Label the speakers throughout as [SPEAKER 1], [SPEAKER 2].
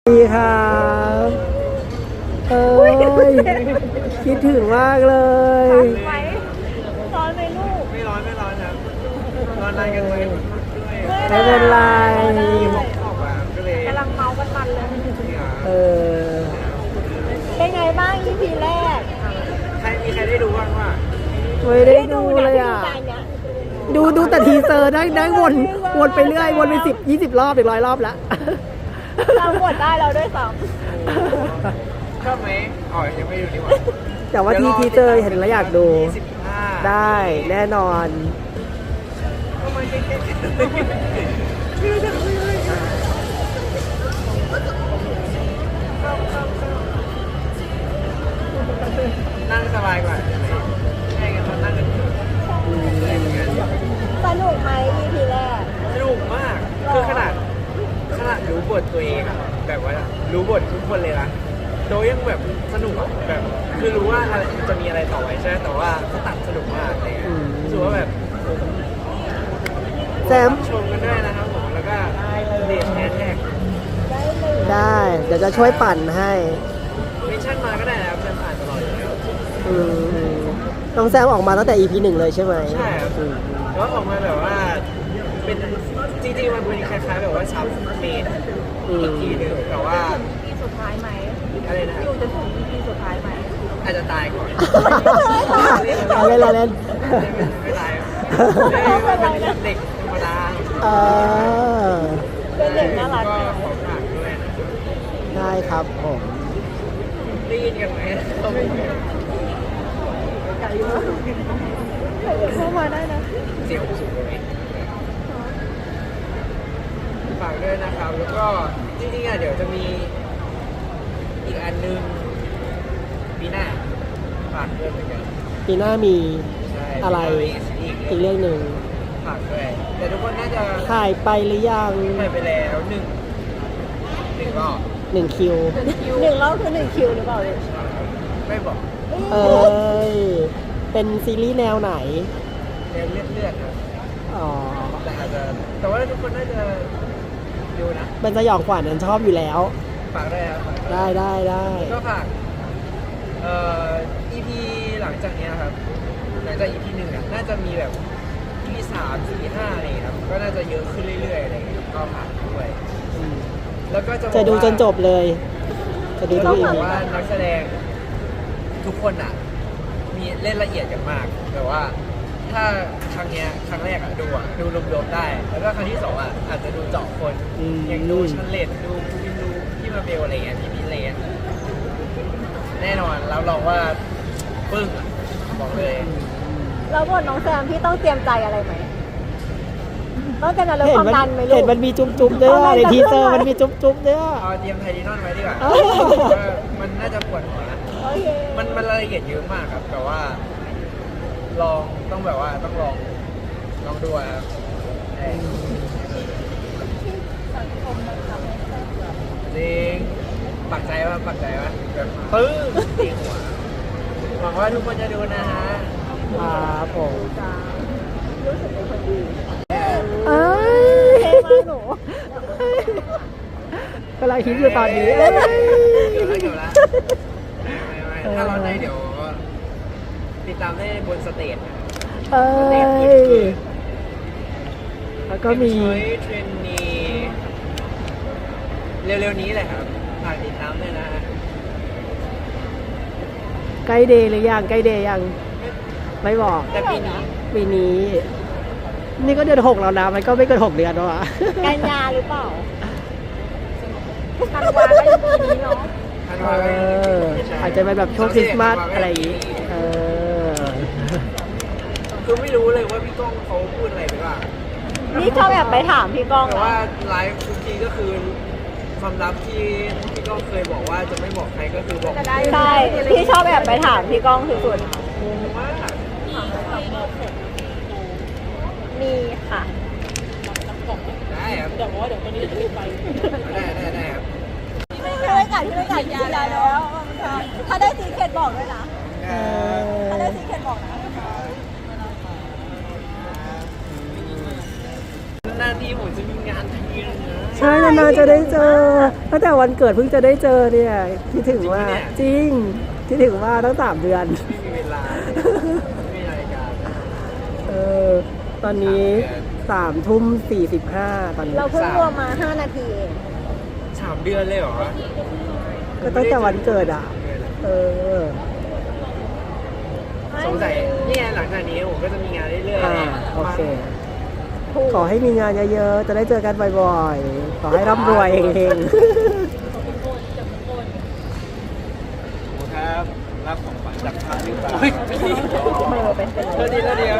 [SPEAKER 1] ดีครับเอ้ยคิดถึงมากเลย
[SPEAKER 2] ไหมร้อนไหมลูก
[SPEAKER 3] ไม่ร้อนครับนอนนานกันไหม
[SPEAKER 1] ไม่เป็นไร
[SPEAKER 3] ออกมาก็เลย
[SPEAKER 2] กำลังเมากันมันเลย
[SPEAKER 1] เออ
[SPEAKER 2] เป็นไงบ้าง EP แรก
[SPEAKER 3] มีใครได้ดูบ้างว่า
[SPEAKER 1] ไม่ได้ดูเลยอ่ะดูแต่ทีเซอร์ได้วนไปเรื่อยวนไป10-20 รอบถึง100 รอบแล้ว
[SPEAKER 2] เราหมดได้เราด้วยซ้
[SPEAKER 3] ชอบไหมอ๋อยังไม่ดูดีกว่า
[SPEAKER 1] แต่ว่าทีเซอร์เห็นแล้วอยากดู
[SPEAKER 3] 25
[SPEAKER 1] ได้แน่นอน
[SPEAKER 3] ทำไมเก่งไม่รู้จะคุยอะไรนั่งสบายกว่าใช่กันตอนนั่งกันอะไรอย่างเงี้ย
[SPEAKER 2] ำสนุกไหม EP แรก
[SPEAKER 3] สนุกมากคือขนาดรู้บทตัวเองอะแบบว่ารู้บททุกคนเลยนะโดยยังแบบสนุกอะแบบคือรู้ว่าอะไรจะมีอะไรต่อไปใช่ไหมแต่ว่าเขาตัดสนุกมากเลยรู้สึกว่าแบบ
[SPEAKER 1] แซม
[SPEAKER 3] ชมกันด้วยนะครับผมแล้วก็เดทแฮชแท็ก
[SPEAKER 1] ได้เดี๋ยวจะช่วยปั่นให้
[SPEAKER 3] เมนชั่นมาก็ได้นะครับจะผ่านตลอดอยู่แล้ว
[SPEAKER 1] อืมน้องแซมออกมาตั้งแต่ EP 1 เลยใช่ไหม
[SPEAKER 3] ใช่ครับแล้วออกมาแบบว่าเป็นจริงๆมันเป็นคล้ายๆแบบว่าซับเมนอีกทีหนึงแต่ว่า
[SPEAKER 2] EP สุดท้ายไหม
[SPEAKER 3] อะไรนะ
[SPEAKER 2] อยู่จนถึง EP สุดท้ายไหม
[SPEAKER 3] อาจจะตายก่อน
[SPEAKER 1] เราเล่นเราเล่น
[SPEAKER 3] ไม่ตายเป็นเด็กธรรมดา
[SPEAKER 1] เออ
[SPEAKER 2] เป็นเด็กน่ารัก
[SPEAKER 3] ก็ขอฝากด้วยนะ
[SPEAKER 1] ได้ครับผม
[SPEAKER 3] ได้ยินกันไหม
[SPEAKER 2] เข้ามาได้นะ
[SPEAKER 3] เสียงสูงไหมฝากด้วยนะครับ แล้วก็จริงๆอ่ะเดี๋ยวจะมีอีกอันนึงปีหน้าฝากด้วยเหมือนกัน
[SPEAKER 1] ปีหน้ามี
[SPEAKER 3] ใช่
[SPEAKER 1] อะไร
[SPEAKER 3] อีก
[SPEAKER 1] อีกเรื่องหนึ่ง
[SPEAKER 3] ฝากด้วยแต่ทุกคนน่าจะ
[SPEAKER 1] ถ่ายไปหรือยัง
[SPEAKER 3] ไปแล้วหนึ่งรอบ
[SPEAKER 1] 1 คิว
[SPEAKER 2] 1 รอบคือ 1 คิวหรือเปล่าลูก
[SPEAKER 3] ไม่บอก
[SPEAKER 1] เอ้ย เป็นซีรีส์แนวไหน
[SPEAKER 3] เลือดครับ
[SPEAKER 1] อ๋อ
[SPEAKER 3] แต่อาจจะแต่ว่าทุกคนน่าจะดูนะ
[SPEAKER 1] เป็นสยองขวัญฉันชอบอยู่แล้ว
[SPEAKER 3] ฝากด้วยครับฝากด้วย
[SPEAKER 1] ได้
[SPEAKER 3] ก็ฝากEP หลังจากเนี้ยครับหลังจาก EP 1อ่ะน่าจะมีแบบ EP 3 4 5อะไรอย่างเงี้ยครับก็น่าจะเยอะขึ้นเรื่อยๆอะไรอย่างเงี้ยก็ฝากด้วยแล้วก็จะบอก
[SPEAKER 1] จะดูจนจบเลย จะดู
[SPEAKER 3] ต้
[SPEAKER 1] ทุ
[SPEAKER 3] อก ง
[SPEAKER 1] อี
[SPEAKER 3] บอก
[SPEAKER 1] พี
[SPEAKER 3] ว่านักแสดงทุกคนอ่ะมีเล่นละเอียดกันมากแต่ว่าถ้าครั้งเนี้ยครั้งแรกอ่ะดูรวมๆได้ แล้วก็ครั้งที่สองอ่ะอาจจะดูเจาะคนอย่างดูชันเลดดูคูวินดูพี่มาเบลอะไรเงี้ยพี่มิเลนแน่นอนรับรองว่าปึ้งอะบอกเลย
[SPEAKER 2] แล้วบทน้องแซมพี่ต้องเตรียมใจอะไรไหมต้องเตรียมใจเรื่องความดันไหมลูก
[SPEAKER 1] เห็นมันมีจุ๊บๆด้วยในทีเซอร์มันมีจุ๊บๆด้วย
[SPEAKER 3] เอาเตรียมไทลินอนไว้ดีกว่า
[SPEAKER 1] เอ้ย
[SPEAKER 3] ว่ามันน่าจะปวดหัวนะ
[SPEAKER 2] โอเค
[SPEAKER 3] มันรายละเอียดเยอะมากครับแต่ว่าต้องแบบว่าต้องลองดูอะครับใช่จริงปักใจว่าแบบปึ้งตีหัวหวังว่าทุกคนจะดูนะฮะ
[SPEAKER 1] ครับผม
[SPEAKER 2] รู้สึกเป็นคนดี
[SPEAKER 1] เอ้ย
[SPEAKER 2] เท่มากหนู
[SPEAKER 1] กำลังคิดอยู่ตอนนี้
[SPEAKER 3] เกือบแล้วไม่ถ้าร้อนในเดี๋ยวติดตามได้บนสเตจนะ
[SPEAKER 1] เอ้
[SPEAKER 3] สเตจ
[SPEAKER 1] ย
[SPEAKER 3] คือ
[SPEAKER 1] แล้วก็มี
[SPEAKER 3] ช้อยเทรนนีเร็วๆนี้แหละครับฝากติดตามด้วยนะฮะ
[SPEAKER 1] ใกล้เดย์หรือยังใกล้เดย์ยัง ไม่บอก
[SPEAKER 3] แต่ปีนี้
[SPEAKER 1] ปีนี้ นี่ก็เดือน 6แล้วนะ มันก็ไม่เกิน6 เดือนแล้วอะ
[SPEAKER 2] กันยาหรือเปล่าธันวาก็ยังปีนี้เนาะ
[SPEAKER 3] ธัน
[SPEAKER 1] เอ
[SPEAKER 3] วาคม
[SPEAKER 1] ออาจจะเป็นแบบช่วงคริสต์มาสอะไรอย่างงี้เออ
[SPEAKER 3] คือไม่รู้เลยว่าพี่ก้องเขาพูดอะไรไปบ้าง
[SPEAKER 2] นี่ชอบแอบไปถามพี่ก้อง
[SPEAKER 3] แต่
[SPEAKER 2] นะ
[SPEAKER 3] ว่าไลฟ์ทุกทีก็คือความลับที่พี่ก้องเคยบอกว่าจะไม่บอกใครก็คือบอก
[SPEAKER 2] ใช่พี่ชอบแอบไปถามพี่ก้องสุด
[SPEAKER 3] งงมาก
[SPEAKER 2] ๆมีค่ะ
[SPEAKER 3] ได้ครับเดี๋ยวตอนนี้จะรีบไปได้ครับ
[SPEAKER 2] พี่ไม่กัดยาแล้ว ถ้าได้ซีเคทบอกด้วยนะ ถ้าได้ซีเคทบอกนะ
[SPEAKER 3] หน้าที่ผมจะมีงานทีนึงนะ
[SPEAKER 1] ใช่นานๆจะได้เจอตั้งแต่วันเกิดเพิ่งจะได้เจอเนี่ยคิดถึงว่าจริงคิดถึงว่าตั้ง3 เดือน
[SPEAKER 3] ไม่มีเวลาไม่มีนาฬิกา
[SPEAKER 1] ตอนนี้3:45ตอนนี้
[SPEAKER 2] เราเพิ่งรวมมา5 นาทีเอง
[SPEAKER 3] 3 เดือนเลยเหรอ
[SPEAKER 1] ก็ตั้งแต่วันเกิดอ่ะ เออ
[SPEAKER 3] สงสัยเนี่ยหลังจากนี้ผมก็จะมีงานเรื่อย
[SPEAKER 1] อ่า
[SPEAKER 3] ๆ
[SPEAKER 1] โอเค ขอให้มีงานเยอะๆ จะได้เจอกันบ่อยๆ ขอให้ร่ำรวยเฮง
[SPEAKER 3] ครับรับของขวัญจากพระหรือเปล่าไม่ดีเธอดีแล้วเดียว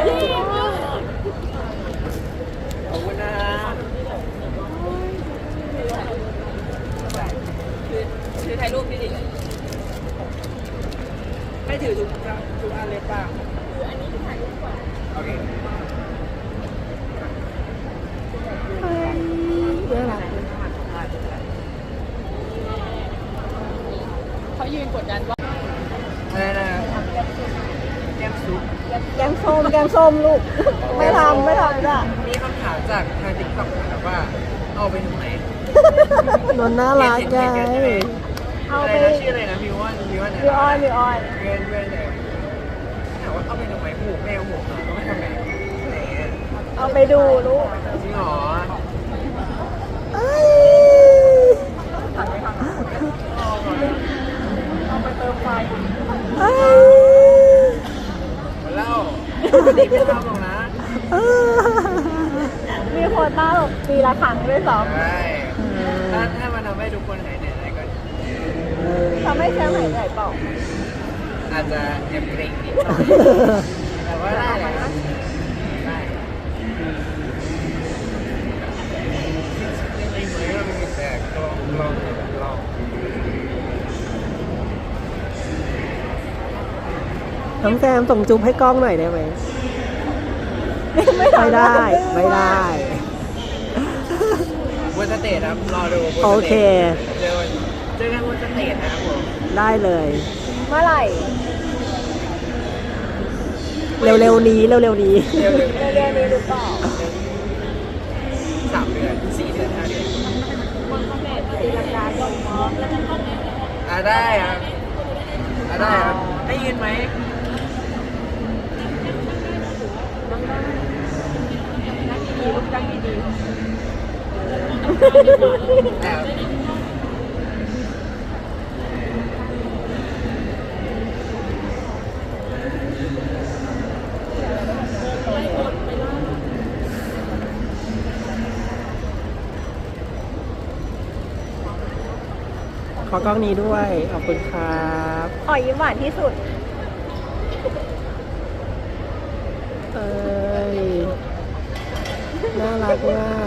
[SPEAKER 3] ขอบคุณนะถือถ่ายรูปดีๆให้ถือทุกอันเลยเปล่าคืออันนี้ถ่ายรูปก่อนโอเค
[SPEAKER 1] ๆน่ารัก
[SPEAKER 2] เขายืนกดดันว่า
[SPEAKER 3] อะไรนะแก้มซุป
[SPEAKER 2] แกงส้มลูก ไม่ทำจ้ะ
[SPEAKER 3] มีคำถามจากทางติ๊กต็อกนะครับว่าเอาไปทำไม
[SPEAKER 1] นนน่ารักไง
[SPEAKER 2] เอา
[SPEAKER 3] อะไร
[SPEAKER 2] ไป
[SPEAKER 3] นะชื่ออะไรนะมิวอนมิวอน
[SPEAKER 2] มีออย
[SPEAKER 3] เพื่อนเลยถามว่าเอาไปทำไมหูแมวหูก็ไม่ทำไมอะไรเงี้ย
[SPEAKER 2] เอาไปดูลูก
[SPEAKER 3] จริงเหรอ
[SPEAKER 1] เอ้ย
[SPEAKER 3] เอาไปเติมไฟ
[SPEAKER 1] เอ้ย
[SPEAKER 3] หมดแล้วปกติไม่ทำหรอกนะ
[SPEAKER 1] เอ้ย
[SPEAKER 2] มีโควต้าแบบปีละครั้งด้วยซ้
[SPEAKER 3] ใช่ถ้ามันทำให้ทุกคนหายเหนื่อยได้ก็
[SPEAKER 2] ำทำให้แชมป์หายเหนื่อยเปล่า
[SPEAKER 3] อาจจะแอบเกรงนิดหน่อยแต่ว่าได้แหละได้จริงๆเหมือนเรามีแต่ลอง
[SPEAKER 1] น้องแซมส่งจุ๊บให้กล้องหน่อยได้ไหม ไม่ได้ ไม่ได้
[SPEAKER 3] บนสเตจครับรอดูบนสตจ
[SPEAKER 1] โอเค
[SPEAKER 3] เจอกันบนสเตจนะครับผม
[SPEAKER 1] ได้เลย
[SPEAKER 2] เมื่อไหร่
[SPEAKER 1] เร็วๆนี้
[SPEAKER 3] เร็ว
[SPEAKER 2] เร็วๆนี้หรือเปล่า
[SPEAKER 3] 3 เดือน 4 เดือน 5 เดือน
[SPEAKER 2] ตีลังกาลงมองแล้วจะต้อง
[SPEAKER 3] ได้ครับได้ครับได้ยินไหมแต่
[SPEAKER 1] ขอกล้องนี้ด้วย ขอบคุณครับ
[SPEAKER 2] ขอยิ้มหวานที่สุด
[SPEAKER 1] เอ้ย น่ารักมาก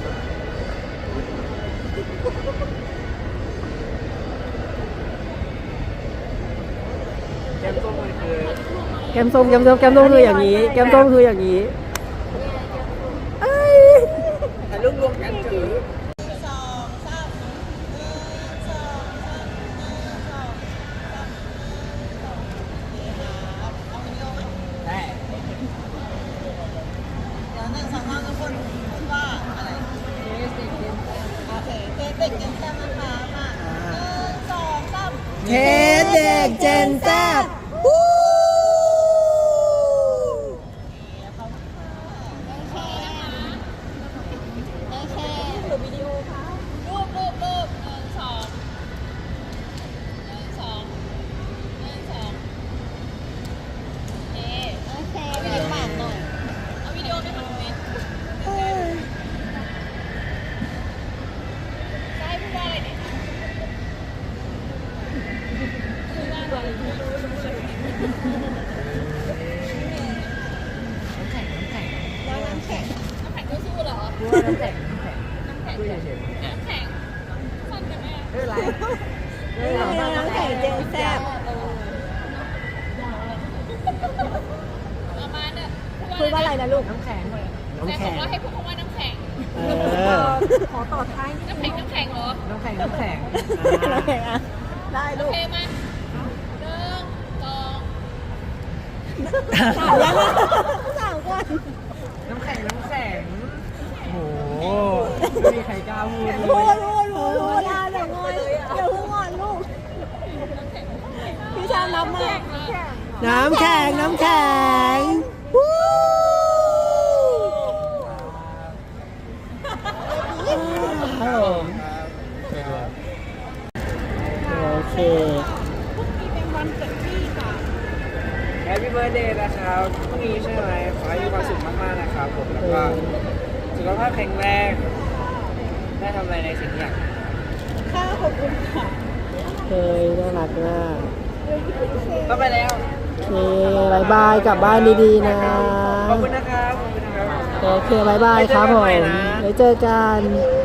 [SPEAKER 3] แก้มส้มมันคือ
[SPEAKER 1] แก้มส้มคืออย่างนี้ แก้มส้มคืออย่างนี้เอ้ย
[SPEAKER 3] ถ่ายรูปรวมกันถือได้
[SPEAKER 1] เทเด็กเจนแซบ
[SPEAKER 2] น้ำแข็งเจนแซ่บคุยว่าอะไรนะลูก
[SPEAKER 1] น้ำแข็ง
[SPEAKER 4] แต่บอกว่าให้พูดคำว่าน้ำแข็ง
[SPEAKER 2] ขอต่อท้าย
[SPEAKER 4] น้ำแข็งเหรอ
[SPEAKER 1] น้ำแข็ง
[SPEAKER 2] น้ำแข็งอ่ะได้ลูก
[SPEAKER 4] โอเคไหม1 2
[SPEAKER 2] ถามยังไงถามก่อน
[SPEAKER 1] น้ำแข็ง โอ้โห
[SPEAKER 3] ไม่มีใครกล้าพูด
[SPEAKER 2] พูดนะเดี๋ยวงอนเดี๋ยวเพิ่งงอนลูกพี่ชามนับมา
[SPEAKER 1] น้ำแข็งน้ำแข็งวู้ครับผมโอเค
[SPEAKER 3] แฮปปี้เบิร์ดเดย์นะครับพรุ่งนี้ใช่ไหมขอให้มีความสุขมากๆนะครับผมแล้วก็สุขภาพแข็งแรงได้ทำอะไรในสิ่งที่อยาก
[SPEAKER 2] ข้าขอบคุณค่ะ
[SPEAKER 1] เฮ้ยน่ารักมาก
[SPEAKER 3] ต้องไปแล้ว
[SPEAKER 1] โอเคบายบายกลับบ้านดีๆนะ
[SPEAKER 3] ขอบคุณนะครับขอบคุณนะครับ
[SPEAKER 1] โอเคบายบายครับผมไว้เจอกัน